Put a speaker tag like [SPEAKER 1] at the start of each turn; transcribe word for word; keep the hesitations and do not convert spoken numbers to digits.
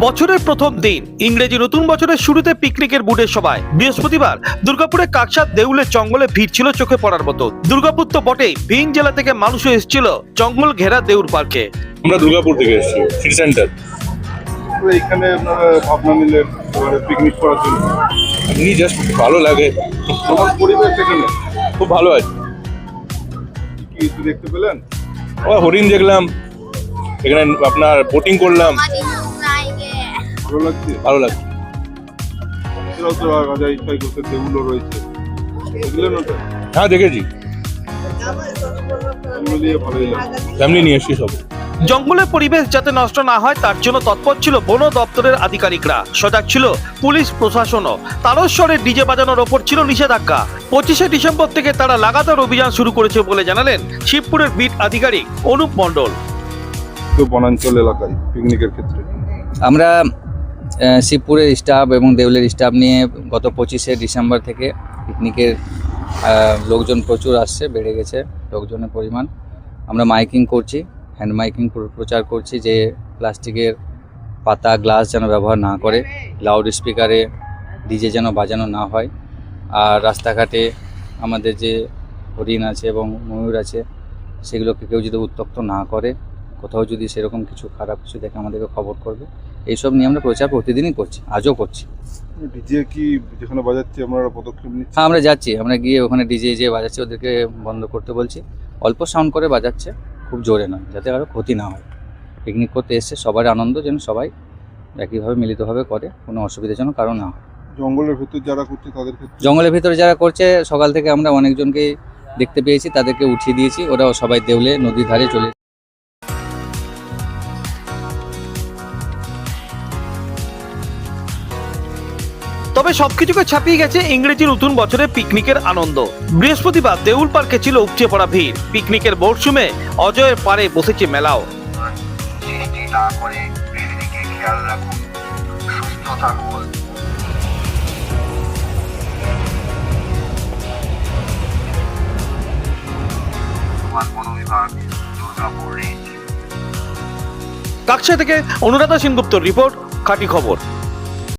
[SPEAKER 1] বছরের প্রথম দিন ইংরেজি নতুন বছরের শুরুতে পিকনিকের বুটের সভায় বৃহস্পতিবার দুর্গাপুরে কাকসার দেউলের জঙ্গলে ভিড় ছিল চোখে পড়ার মতো। দুর্গাপুর তো বটেই, ভিন জেলা থেকে মানুষও এসেছিল জঙ্গল ঘেরা দেউর পার্কে।
[SPEAKER 2] আমরা দুর্গাপুর থেকে এসেছি, সিটি সেন্টার।
[SPEAKER 3] এখানে আপনারা ভাবনা নিলেন পিকনিক করার জন্য,
[SPEAKER 2] এমনি জাস্ট ভালো লাগে,
[SPEAKER 3] আমার পরিবেশ এখানে
[SPEAKER 2] খুব ভালো আছে।
[SPEAKER 3] কি কিছু দেখতে পেলেন?
[SPEAKER 2] ও হরিণ দেখলাম, এখানে আপনার বোটিং করলাম,
[SPEAKER 3] ভালো লাগছে।
[SPEAKER 2] ভালো লাগছে।
[SPEAKER 3] এছাড়াও তো রাজা ইচ্ছাই করতে দেউলও রয়েছে, দেখলেন ওটা?
[SPEAKER 2] হ্যাঁ দেখেছি,
[SPEAKER 3] মিলিয়ে ভালোই লাগে।
[SPEAKER 2] ফ্যামিলি নিয়ে এসেছি সব।
[SPEAKER 1] জঙ্গলের পরিবেশ যাতে নষ্ট না হয় তার জন্য তৎপর ছিল বন দপ্তরের আধিকারিকরা, সজাগ ছিল পুলিশ প্রশাসনও। তারস্বরে ডিজে বাজানোর ওপর ছিল নিষেধাজ্ঞা। পঁচিশে ডিসেম্বর থেকে তারা লাগাতার অভিযান শুরু করেছে বলে জানালেন শিবপুরের বিট আধিকারিক অনুপ মণ্ডল।
[SPEAKER 3] তো বনাঞ্চল এলাকায় পিকনিকের ক্ষেত্রে
[SPEAKER 4] আমরা শিবপুরের স্টাফ এবং দেউলের স্টাফ নিয়ে গত পঁচিশে ডিসেম্বর থেকে পিকনিকের লোকজন প্রচুর আসছে, বেড়ে গেছে লোকজনের পরিমাণ। আমরা মাইকিং করছি, হ্যান্ড মাইকিং প্রচার করছি যে প্লাস্টিকের পাতা গ্লাস যেন ব্যবহার না করে, লাউড স্পিকারে ডিজে যেন বাজানো না হয়। আর রাস্তাঘাটে আমাদের যে হরিণ আছে এবং ময়ূর আছে সেগুলোকে কেউ যদি উত্ত্যক্ত না করে, কোথাও যদি সেরকম কিছু খারাপ কিছু দেখে আমাদেরকে খবর করবে। এইসব নিয়ে আমরা প্রচার প্রতিদিনই করছি, আজও করছি।
[SPEAKER 3] ডিজে কি যেখানে বাজাচ্ছে আপনারা পদক্ষেপ নিচ্ছেন?
[SPEAKER 4] হ্যাঁ আমরা যাচ্ছি, আমরা গিয়ে ওখানে ডিজে যে বাজাচ্ছে ওদেরকে বন্ধ করতে বলছি। অল্প সাউন্ড করে বাজাচ্ছে, খুব জোরে নয়, যাতে আরও ক্ষতি না হয়। পিকনিক করতে এসছে সবার আনন্দ যেন সবাই একইভাবে মিলিতভাবে করে, কোনো অসুবিধা যেন কারো না হয়।
[SPEAKER 3] জঙ্গলের ভেতর যারা করছে তাদের ক্ষেত্রে?
[SPEAKER 4] জঙ্গলের ভিতরে যারা করছে সকাল থেকে আমরা অনেকজনকে দেখতে পেয়েছি, তাদেরকে উঠিয়ে দিয়েছি, ওরাও সবাই দেউলে নদীর ধারে চলে।
[SPEAKER 1] তবে সবকিছুকে ছাপিয়ে গেছে ইংরেজি নতুন বছরের পিকনিকের আনন্দ। বৃহস্পতিবার দেউল পার্কে ছিল উপচে পড়া ভিড়। পিকনিকের মরশুমে অজয়ের পারে বসেছে মেলাও।
[SPEAKER 5] সৃষ্টি না করে পৃথিবীকে খেয়াল রাখুন, সুস্থ থাকুন। বন বিভাগ, দুর্গাপুর রেঞ্জ।
[SPEAKER 1] কাকসা থেকে অনুরাধা সেনগুপ্তর রিপোর্ট, খাঁটি খবর।